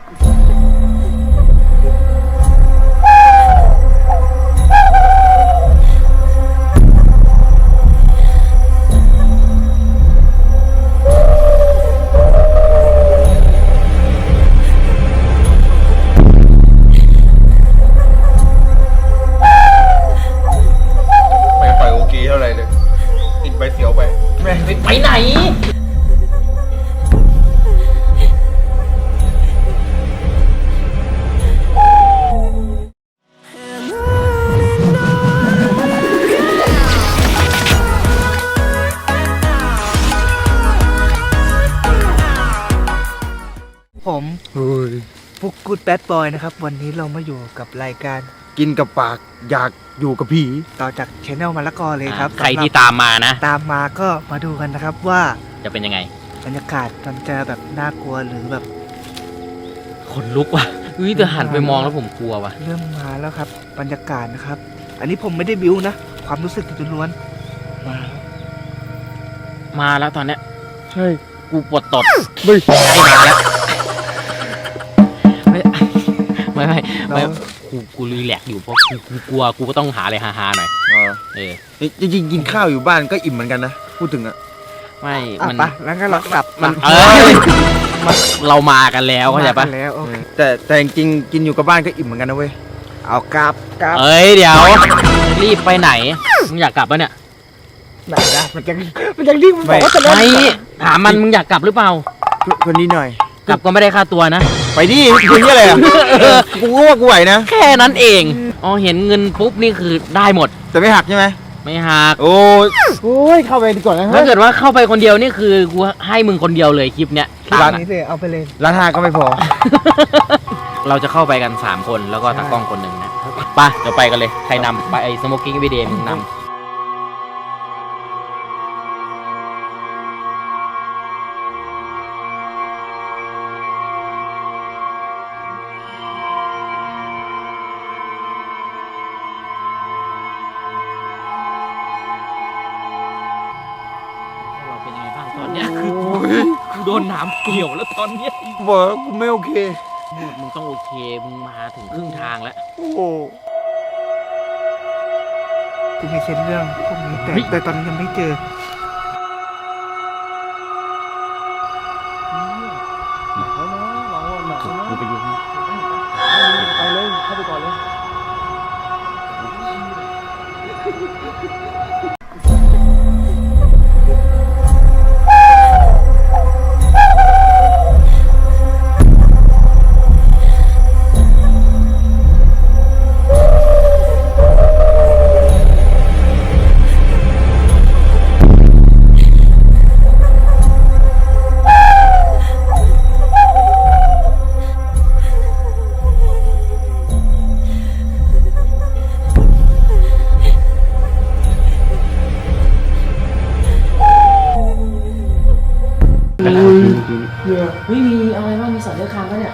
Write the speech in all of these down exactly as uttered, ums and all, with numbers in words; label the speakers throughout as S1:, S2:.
S1: ไปไหน
S2: ผมฟุกกูดแบดบอยนะครับวันนี้เรามาอยู่กับรายการ
S3: กินกับปากอยากอยู่กับผี
S2: ต่อจากชแนลมะละกอเลยครับ
S1: ใครที่ตามมานะ
S2: ตามมาก็มาดูกันนะครับว่า
S1: จะเป็นยังไง
S2: บรรยากาศมันจะแบบน่ากลัวหรือแบบ
S1: ขนลุกว่ะอุ้ยแต่หันไปมองแล้วผมกลัวว่ะ
S2: เริ่มมาแล้วครับบรรยากาศนะครับอันนี้ผมไม่ได้บิ้วนะความรู้สึกล้วนมา
S1: มาแล้วตอนเนี้ย
S3: ใช่
S1: กูปวดตด
S3: ไม่
S1: ใช่มาแล้วไม่ไม่ไม่ไม่กูกูรีแลกอยู่เพราะกูกูกลัวกูก็ต้องหาอะไรฮาๆหน่อยเออ
S3: จริงๆกินข้าวอยู่บ้านก็อิ่มเหมือนกันนะพูดถึงอะ
S1: ไม่
S2: มันแล้วก็เรากลับ
S1: มันเออเรามากันแล้วเข้าใจปะ
S3: แต่แต่จริงๆกินอยู่กับบ้านก็อิ่มเหมือนกันนะเว้ย
S2: เอากลับกลับ
S1: เอ้ยเดี๋ยวรีบไปไหนมึงอยากกลับปะเนี่ย
S2: ไหนนะมันยังมันยังรีบมันบอกว่าจะ
S1: ไม่ถามมันมึงอยากกลับหรือเปล่า
S3: คนนี้หน่อย
S1: กลับก็ไม่ได้ค่าตัวนะ
S3: ไปดิคุณนี่อะไรอ่ะกูก็ว่ากูไหวนะ
S1: แค่นั้นเองอ๋อเห็นเงินปุ๊บนี่คือได้หมด
S3: แต่ไม่หักใช่ไหม
S1: ไม่หัก
S3: โอ้ย
S2: โอ้ยเข้าไปดีกว่านะ
S1: ถ้าเกิดว่าเข้าไปคนเดียวนี่คือกูให้มึงคนเดียวเลยคลิปเนี้ย
S2: ร้านนี้เลยเอาไปเลย
S3: ร้านห้าก็ไม่พอ
S1: เราจะเข้าไปกันสามคนแล้วก็ตากล้องคนหนึ่งนะไปเดี๋ยวไปกันเลยใครนำไปไอ้สโมกกิ้งวิดีโอมึงนำตอนนี้คือกูโดนน้ำเกี่ยวแล้วตอนนี้
S3: บอกกูไม่โอเค
S1: มึงต้องโอเคมึงมาถึงครึ่งทางแล้ว
S3: โอ้โห
S2: จะมีเช่นเรื่องพวกนี้แต่แต่ตอนนี้ยังไม่เจอ
S1: กูไปอยู่
S2: ไปเลยเข้าไปก่อนเลย
S1: เฮ้ยมีอะไรบ้างมีสัตว์เลื้อยคลานปะเนี่ย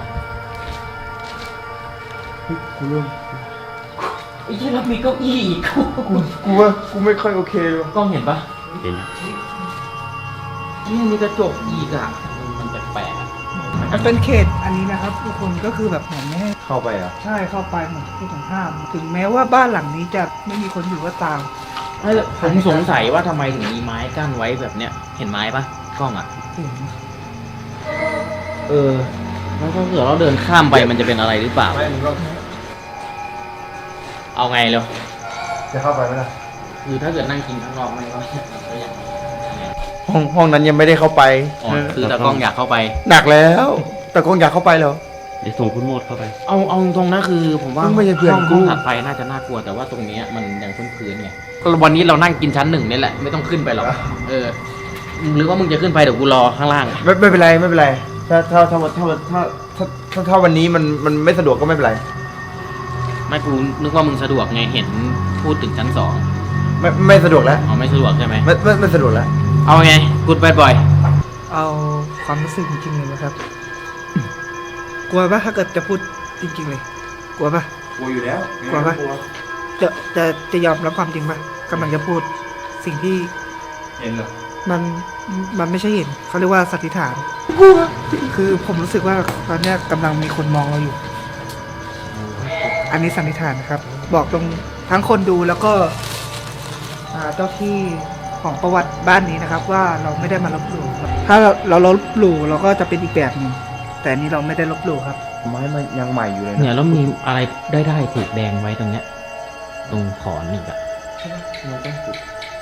S3: กูเริ่ม
S1: ไอ้ที่เรามีเก้าอี้อีกกู
S3: กูว่ากูไม่ค่อยโอเคเลย
S1: กล้องเห็นปะเห็นนี่มีกระจกอีกอ่ะมันแปลกๆ
S2: มันเป็นเขตอันนี้นะครับทุกคนก็คือแบบเหมือนไม่ให้
S3: เข้าไปอ่ะ
S2: ใช่เข้าไปเหมือนที่ต้องห้ามถึงแม้ว่าบ้านหลังนี้จะไม่มีคนอยู่ก็ตาม
S1: ผมสงสัยว่าทำไมถึงมีไม้กั้นไว้แบบเนี้ยเห็นไม้ปะกล้องอ่ะเออแล้วถ้าเกิดเราเดินข้ามไปมันจะเป็นอะไรหรือเปล่าเอาไงเร็ว
S3: จะเข้าไปไหมล่ะ
S1: คือถ้าเกิดนั่งกินข้างนอกมันก็อย่าง
S3: ห้องห้องนั้นยังไม่ได้เข้าไป
S1: อ๋อคือตากล้องอยากเข้าไป
S3: หนักแล้วตากล้องอยากเข้าไปเหรอ
S1: เดี๋ยวส่งคุณโมดเข้าไปเอาเอาตรงนะคือผมว่าห้องห้องถัดไปน่าจะน่ากลัวแต่ว่าตรงนี้มันยังพื้นๆไงวันนี้เรานั่งกินชั้นหนึ่งนี่แหละไม่ต้องขึ้นไปหรอกเออหรือว่ามึงจะขึ้นไปเดี๋ยวกูรอข้างล่าง
S3: ไม่ไม่เป็นไรไม่เป็นไรถ้าถ้าถ้าถ้าถ้าถ้าถ้าถ้าวันนี้มันมันไม่สะดวกก็ไม่เป็นไร
S1: ไม่กูนึกว่ามึงสะดวกไงเห็นพูดถึงชั้นสอง
S3: ไม่ไม่สะดวกแล้ว
S1: อ๋อไม่สะดวกใช่ไหม
S3: ไม่ไม่ไม่สะดวกแล้ว
S1: เอาไงกูดแบดบอย
S2: เอาความรู้สึกจริงๆเลยนะครับกลัวปะถ้าเกิดจะพูดจริงๆเลยกลัวปะ
S3: กลัวอยู่แล้ว
S2: กลัวปะจะจะจะยอมรับความจริงปะกำลังจะพูดสิ่งที่
S3: เห็นเหรอ
S2: มันมันไม่ใช่เห็นเขาเรียกว่าสันนิษฐานคือผมรู้สึกว่าตอนเนี้ยกำลังมีคนมองเราอยู่ อันนี้สันนิษฐานนะครับ บอกตรงทั้งคนดูแล้วก็อ่าเจ้าที่ของประวัติบ้านนี้นะครับ ว่าเราไม่ได้มาลบหลู่ครับถ้าเราเราลบหลู่เราก็จะเป็นอีกแบบหนึ่งแต่อันนี้เราไม่ได้ลบหลู่ครับ
S3: ไม้มันยังใหม่อยู่เลย
S1: เนี่ย
S3: นะ
S1: แล้วมีอะไรได้ได้ผูกแดงไว้ตรงเนี้ย ตรงขอนอีกอะ
S3: มันต้องปลูก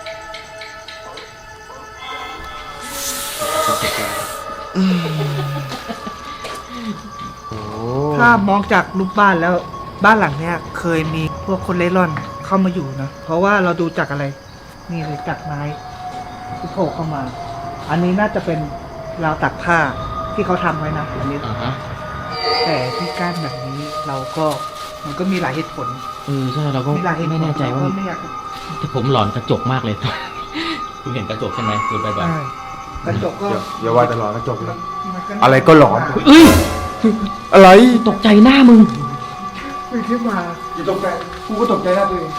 S3: โอ้
S2: ถ้ามองจากรูปบ้านแล้วบ้านหลังเนี้ยเคยมีพวกคนเล่ร่อนเข้ามาอยู่นะเพราะว่าเราดูจากอะไร นี่เลยจากไม้ที่โผล่เข้ามา อันนี้น่าจะเป็นราวตักผ้าที่เขาทำไว้นะอันนี้
S1: อ่าฮะ
S2: แต่ที่กั้นแบบนี้เราก็มันก็มีหลายเหตุผล
S1: เออใช่เราก็
S2: มีหลายเหตุผล
S1: ไม่แน่ใจว่า
S2: เรก็ไม่อยาก
S1: แต่ผมหลอนกระจกมากเลย คุณเห็นกระจกใช่ไหมคุณไปบ่อย
S2: ใช่กระจกก็
S3: อย่าอย่าว่าแต่หลอนกระจกเลย
S2: มันก็
S3: อะไรก็หลอน
S1: เอ้ย
S3: อะไร
S1: ตกใจหน้ามึง
S2: มีที่มา
S3: อย่าตกใจกูก็ตกใจหน้าตัวเอง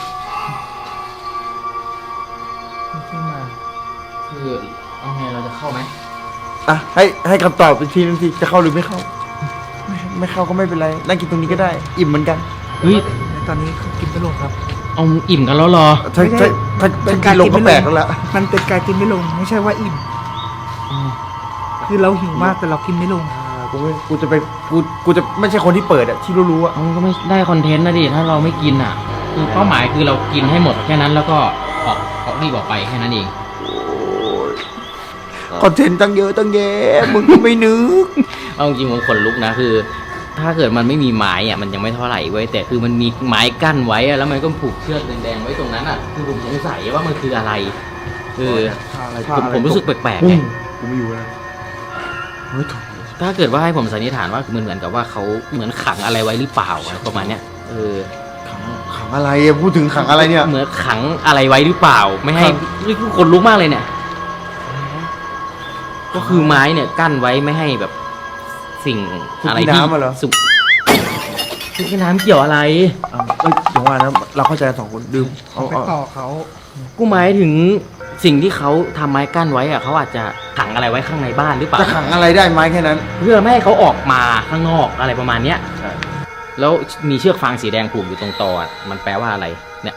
S2: มีที่มา
S1: คือเอาไงเราจะเข้าไหม
S3: อ่ะให้ให้คำตอบอีกทีนึงสิจะเข้าหรือไม่เข้า ไม่ไม่เข้าก็ไม่เป็นไรนั่งกินตรงนี้ก็ได้ อิ่มเหมือนกัน
S1: เฮ้ย
S2: ในตอนนี้เขากินไม่ลงครับ
S1: เอาอิ่มกันแล้วเหรอ
S3: ถ้า
S2: ไม่ได้
S3: ถ้าถ้า
S2: เป็
S3: ถ้าน กิ
S2: การ
S3: นลง
S2: กิน
S3: ก็
S2: ไม่
S3: แปล
S2: ล
S3: ก
S2: ง
S3: แล้วล่ะ
S2: มันเป็นการกินไม่ลง ไม่ใช่ว่าอิ่ม คือเราหิวมากแต่เรากินไม่ลง
S3: อ่ากูไม่กูจะไปกูกูจะไม่ใช่คนที่เปิดอะที่รู้ๆอะ
S1: มันก็ไม่ได้คอนเทนต์นะดิถ้าเราไม่กินอ่ะ คือเป้าหมายคือเรากินให้หมดแค่นั้นแล้วก็ออกออกรีบออกไปแค่นั้นเอง
S3: คอนเทนต์ตั้งเยอะตั้งแยะมึงก็ไม่นึก
S1: เอาจริงๆผมขนลุกนะคือ ถ้าเกิดมันไม่มีไม้อ่ะมันยังไม่เท่าไหร่เว้ยแต่คือมันมีไม้กั้นไว้อะแล้วมันก็ผูกเชือกแดงๆไว้ตรงนั้นอ่ะคือผมสงสัยว่ามันคืออะไรคือ
S3: อะไร
S1: ผมผมรู้สึกแปลกๆ
S3: ปุ้
S1: ไง
S3: งกูไม่อยู่แล้วเฮ้ยโถ่
S1: ถ้าเกิดว่าให้ผมสันนิษฐานว่ามันเหมือนกับว่าเขาเหมือนขังอะไรไว้หรือเปล่าอะไรประมาณเนี้ยเออ
S3: ขังขังอะไรอะพูดถึงขังอะไรเนี่ย
S1: เหมือนขังอะไรไว้หรือเปล่า ไม่ให้
S3: ขัง
S1: นี่คือคนลุกมากเลยเนี่ย ก็คือไม้เนี่ยกั้นไว้ไม่ให้แบบ สิ่งอะไรที่
S3: น้ำอะเหรอ
S1: สุกทุกน้ำเกี่ยวอะไร
S3: อ้าวเอ้ยเดี๋ยวว่านะเราเข้าใจกันสองคนดื่มเอา
S2: ไป
S3: เอา
S2: ต่อเขา
S1: กูหมายถึงสิ่งที่เขาทำไม้กั้นไว้อะเขาอาจจะขังอะไรไว้ข้างในบ้านหรือเปล่า
S3: จะขังอะไรได้ไหมแค่นั้น
S1: เพื่อไม่ให้เขาออกมาข้างนอกอะไรประมาณเนี้ย
S3: ใช่
S1: แล้วมีเชือกฟางสีแดงผูกอยู่ตรงตออะมันแปลว่าอะไร เนี่ย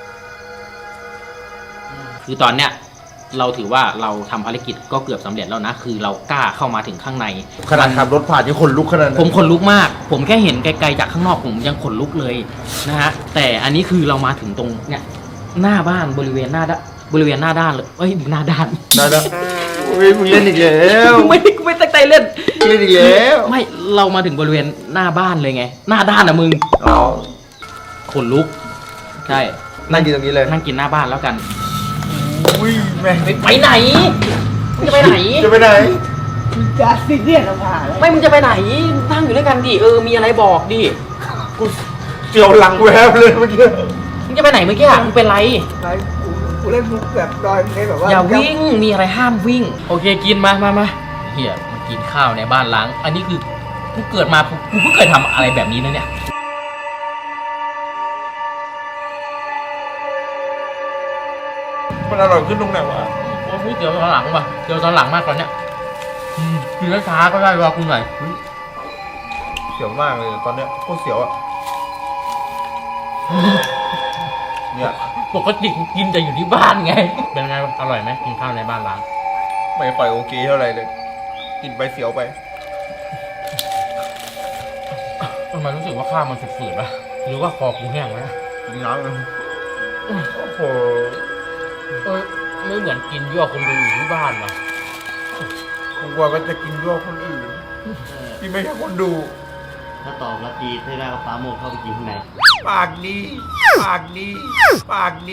S1: คือตอนเนี้ยเราถือว่าเราทำภารกิจก็เกือบสำเร็จแล้วนะ คือเรากล้าเข้ามาถึงข้างใน
S3: ขนาดขับรถผ่านยังขนลุกขนาดนั้น
S1: ผมขนลุกมาก ผมแค่เห็นไกลๆจากข้างนอกผมยังขนลุกเลยนะฮะ แต่อันนี้คือเรามาถึงตรงเนี่ยหน้าบ้านบริเวณหน้าด้านบริเวณหน้าด้านเลยเอ้ยหน้าด้าน
S3: ได้แล้วโอ้ยมึงเล่นอีกแล้ว
S1: ไม่ไม่ตั้งใจเล่น
S3: เล่นอีกแล้ว
S1: ไม่เรามาถึงบริเวณหน้าบ้านเลยไง หน้าด้านอะมึง
S3: อ๋อ
S1: ขนลุก ใช่
S3: นั่งกินตรงนี้เลย
S1: นั่งกินหน้าบ้านแล้วกัน
S3: อุ้ยแม่ง
S1: ไปไปไหนมึงจะไปไหน
S3: จะไปไหน
S2: จะซีเรียสเราผ่าแล้ว
S1: ไม่มึงจะไปไหนนั่งอยู่ด้วยกันดิเออมีอะไรบอกดิ
S3: กูเจียวหลังแวบเลยเมื่อกี้
S1: มึงจะไปไหนเมื่อกี้อะมึงเป็นไร
S2: ไลฟ์กูกูเล่นมุกแบบดอยเลยแบบว่า
S1: อย่าวิ่ง มีอะไรห้ามวิ่ง โอเคกินมามามาเฮียมากินข้าวในบ้านล้าง อันนี้คือกูเกิดมากูกูเพิ่งเคยทำอะไรแบบนี้นะเนี่ย
S3: มันอร่อยขึ้นตรงไหนวะ
S1: โอ้ยเดี๋ยวตอนหลังว่ะเดี๋ยวตอนหลังมากตอนเนี้ยอืมกินช้าๆก็ได้รอคุณหน่อย
S3: เสียวมากเลยตอนเนี้ยโคตรเสียวอ่ะเนี่ย
S1: ปกติกูกินแต่อยู่ที่บ้านไง เป็นไงอร่อยไหมกินข้าวในบ้านล้าง
S3: ไม่ค่อยโอเคเท่าไหร่เลย กินไปเสียวไป
S1: ทำไมรู้สึกว่าข้าวมันฝืดๆวะหรือว่าคอกูแห้งวะ
S3: กินน้ำกันโอ้โห
S1: เออไม่เหมือนกินยั่วคนดูอยู่ที่บ้านวะ
S3: กูกลัวก็จะกินยั่วคนอื่นที่ไม่ใช่คนดู
S4: ถ้าตอบรับดีให้ได้ก็ฟ้าโมกเข้าไปกินข้างใน
S3: ปากดี ปากดี ปากดี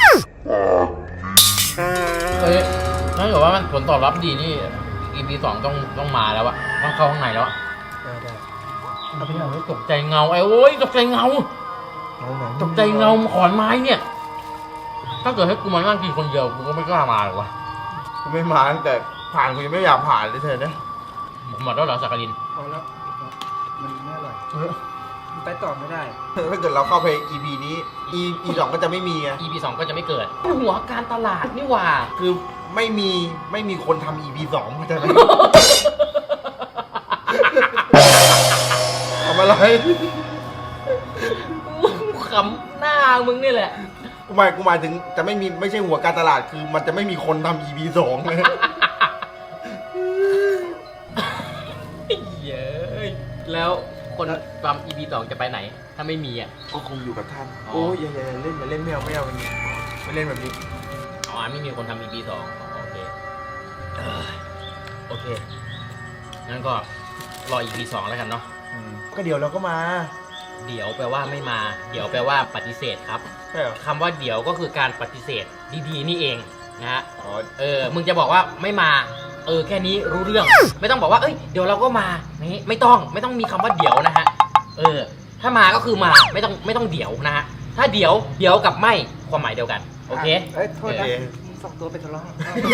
S1: เอ้ยถ้าเกิดว่ามันผลตอบรับดีนี่ อี พี สองต้องต้องมาแล้วอะต้องเข้าข้างในแล้วอะ
S2: ได้ได้
S1: เอาไปเอาไว้ตกใจเงาไอ้โอ้ยตกใจเงา ตกใจเงาขอนไม้เนี่ย ถ้าเกิดให้กูมานั่งกินคนเดียวกูก็ไม่กล้ามาหรอกวะ
S3: กูไม่มาตั้งแต่ผ่านกูยังไม่อยากผ่านเลยเธอเนี่ย
S1: หมดแล้วเหรอสักกลิน
S2: พอแล้วมันไม่อร่อยมันไปต่อไม่ได้
S3: ถ้าเกิดเราเข้าไป อี พี นี้ อี อี สองก็จะไม่มีไง
S1: อี พี สองก็จะไม่เกิด หัวการตลาดนี่หว่า
S3: คือไม่มีไม่มีคนทำ อี พี สองเข้าใจไหมอะไร
S1: ขำหน้ามึงนี่แหละ
S3: กูหมายกูหมายถึงจะไม่มีไม่ใช่หัวการตลาดคือมันจะไม่มีคนทำ อี พี สองเลย
S1: เย้ยแล้วคนทำ อี พี สองจะไปไหน ถ้าไม่มีอ่ะ
S3: ก็คงอยู่กับท่าน
S1: อ๋อ
S3: โอ้ยอย่าอย่าอย่าเล่นอย่าเล่นไม่เอาไม่เอาอย่างนี้ไม่เล่นแบบนี้
S1: อ๋อไม่มีคนทำ อี พี สองโอเคเอ้ยโอเคงั้นก็รอ อี พี สองแล้วกันเนาะ
S3: อืมก็เดี๋ยวเราก็มา
S1: เดี๋ยวแปลว่าไม่มา เดี๋ยวแปลว่าปฏิเสธครับ
S3: ใช่เหรอ
S1: คำว่าเดี๋ยวก็คือการปฏิเสธดีๆนี่เองนะฮะ
S3: อ๋อ
S1: เออ มึงจะบอกว่าไม่มา เออ แค่นี้รู้เรื่อง ไม่ต้องบอกว่า เอ้ย เดี๋ยวเราก็มานี่ไม่ต้อง ไม่ต้องมีคำว่าเดี๋ยวนะฮะ เออ ถ้ามาก็คือมา ไม่ต้อง ไม่ต้องเดี๋ยวนะฮะ ถ้าเดี๋ยว เดี๋ยวกับไม่ ความหมายเดียวกัน โอเค
S2: เอ้ยโทษนะ
S3: โอเค
S2: มึงสองตัวไปทะเลาะ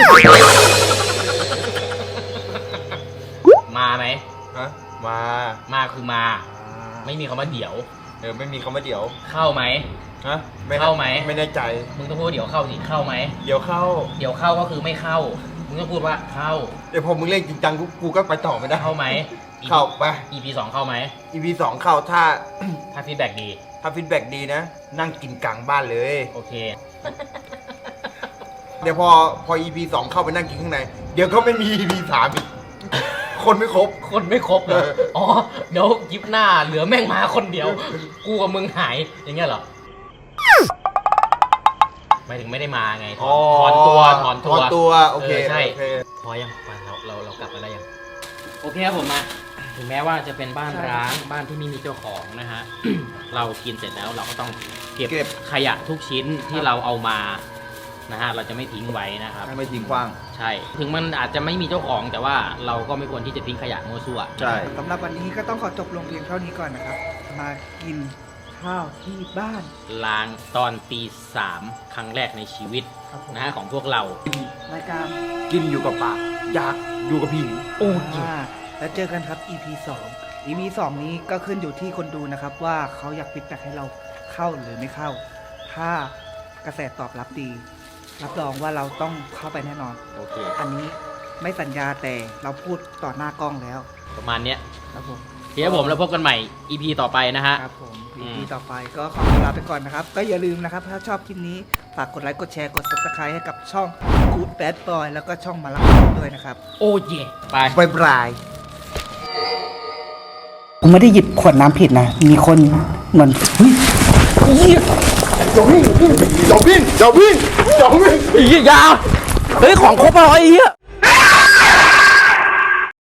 S1: มาไหม
S3: ฮะมา
S1: มาคือมา
S3: อ่า
S1: ไม่มีคำว่าเดี๋ยว
S3: เออไม่มีคำว่าเดี๋ยว
S1: เข้าไหม
S3: ฮะ
S1: เข้าไหม
S3: ไม่แน่ใจ
S1: มึงต้องพูดว่าเดี๋ยวเข้าสิ เข้าไหม
S3: เดี๋ยวเข้า
S1: เดี๋ยวเข้าก็คือไม่เข้า มึงต้องพูดว่าเข้า
S3: เดี๋ยวพอมึงเล่นจริงจังกูกูก็ไปต่อไม่ได้
S1: เข้าไหม
S3: เข้าไป
S1: อี พี สองเข้าไหม
S3: อี พี สองเข้าถ้า
S1: ถ้าฟีดแบ็กดี
S3: ถ้าฟีดแบ็กดีนะ นั่งกินกลางบ้านเลย
S1: โอเค
S3: เดี๋ยวพอพอ อี พี สองเข้าไปนั่งกินข้างใน เดี๋ยวก็ไม่มี อี พี สามอีก คนไม่ครบ
S1: คนไม่ครบเลย
S3: เออ
S1: อ๋อ เดี๋ยวยิบหน้าเหลือแม่งมาคนเดียว กูกับมึงหาย อย่างเงี้ยเหรอหมายถึงไม่ได้มาไง ถอนถอนตัว ถอนตัว
S3: ถอนตัว โอเค
S1: ใช่
S3: โอเค
S1: พอยังไปเราเราเรากลับมาได้ยัง โอเคครับผมมา ถึงแม้ว่าจะเป็นบ้านร้าง บ้านที่ไม่มีเจ้าของนะฮะ เรากินเสร็จแล้วเราก็ต้องเก็บ
S3: เก็บ
S1: ขยะทุกชิ้นที่เราเอามา นะฮะ เราจะไม่ทิ้งไว้นะครับ
S3: ไม่ทิ้งขว้าง
S1: ใช่ ถึงมันอาจจะไม่มีเจ้าของแต่ว่าเราก็ไม่ควรที่จะทิ้งขยะมั่วซั่ว
S3: ใช่
S2: สำหรับวันนี้ก็ต้องขอจบลงเพียงเท่านี้ก่อนนะครับ มากินข้าวที่บ้าน
S1: ล้างตอนตีสามครั้งแรกในชีวิต
S2: ครับผม
S1: นะฮะของพวกเรา
S2: รายการ
S3: กินอยู่กับปากอยากอยู่กับพี่
S1: โอ้ย
S2: อ่าแล้วเจอกันครับ อี พี สอง อี พี สองนี้ก็ขึ้นอยู่ที่คนดูนะครับ ว่าเขาอยากปิดแบ็กให้เราเข้าหรือไม่เข้า ถ้ากระแสตอบรับดี รับรองว่าเราต้องเข้าไปแน่นอน
S1: โอเค
S2: อันนี้ไม่สัญญาแต่เราพูดต่อหน้ากล้องแล้ว
S1: ประมาณเนี้ย
S2: ครับผม
S1: เดี๋ยวผมแล้วพบกันใหม่ อี พี ต่อไปนะฮะ
S2: ครับผม
S1: อื
S2: อี
S1: ม
S2: พีต่อไปก็ขอตัวลาไปก่อนนะครับ ก็อย่าลืมนะครับ ถ้าชอบคลิปนี้ ฝากกดไลค์ กดแชร์ กด ซับสไครต์ให้กับช่อง Good Bad Boy แล้วก็ช่องมาลักด้วยนะครับ
S1: โอ้เย่ไป
S3: บายบาย
S2: กูไม่ได้หยิบขวดน้ำผิดนะ มีคนเหมือนเฮ้ย
S3: อย่าวิ่งอย่าวิ่งอย่าวิ่งอย่าวิ่ง
S1: อียาเฮ้ย ของครบแล้วไอ้เหี้ย